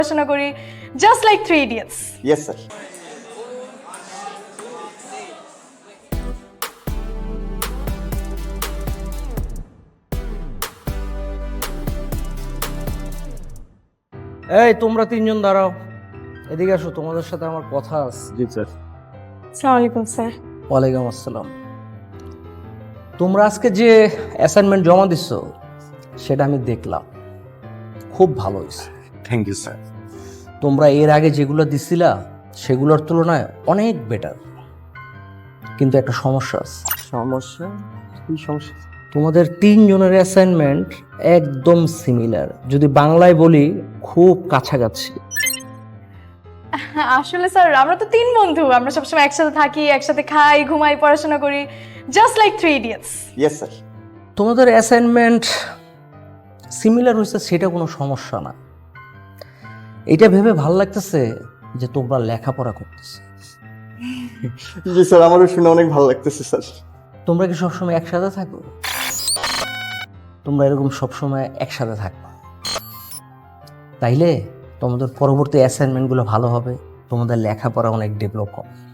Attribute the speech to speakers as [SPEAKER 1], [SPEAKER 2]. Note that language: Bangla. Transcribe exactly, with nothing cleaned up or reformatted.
[SPEAKER 1] পড়াশোনা করি just like three idiots.
[SPEAKER 2] Yes sir.
[SPEAKER 3] এই তোমরা তিনজন দাঁড়াও, এদিকে আসো, তোমাদের সাথে আমার কথা আছে।
[SPEAKER 2] জি স্যার।
[SPEAKER 1] আসসালামু আলাইকুম স্যার।
[SPEAKER 3] ওয়ালাইকুম আসসালাম। তোমরা আজকে যে অ্যাসাইনমেন্ট জমা দিচ্ছ সেটা আমি দেখলাম, খুব ভালো হয়েছে।
[SPEAKER 2] Thank you sir.
[SPEAKER 3] তোমরা এর আগে যেগুলো দিছিলা সেগুলোর তুলনায় অনেক বেটার, কিন্তু একটা সমস্যা আছে।
[SPEAKER 2] সমস্যা? কি সমস্যা?
[SPEAKER 3] তোমাদের তিনজনের অ্যাসাইনমেন্ট একদম সিমিলার, যদি বাংলায় বলি খুব কাছাকাছি।
[SPEAKER 1] আসলে স্যার আমরা তো তিন বন্ধু, আমরা সবসময় একসাথে থাকি, একসাথে খাই, ঘুমাই, পড়াশোনা করি just like three idiots.
[SPEAKER 2] Yes sir.
[SPEAKER 3] তোমাদের অ্যাসাইনমেন্ট সিমিলার হয়েছে সেটা কোনো সমস্যা না, এটা ভেবে ভাল লাগতেছে যে তোমরা লেখাপড়া করতেছে।
[SPEAKER 2] জি স্যার, আমারও শুনে অনেক ভালো লাগতেছে স্যার।
[SPEAKER 3] তোমরা কি সবসময় একসাথে থাকো? তোমরা এরকম সবসময় একসাথে থাকবা, তাইলে তোমাদের পরবর্তী অ্যাসাইনমেন্টগুলো ভালো হবে, তোমাদের লেখাপড়া অনেক ডেভেলপ হবে।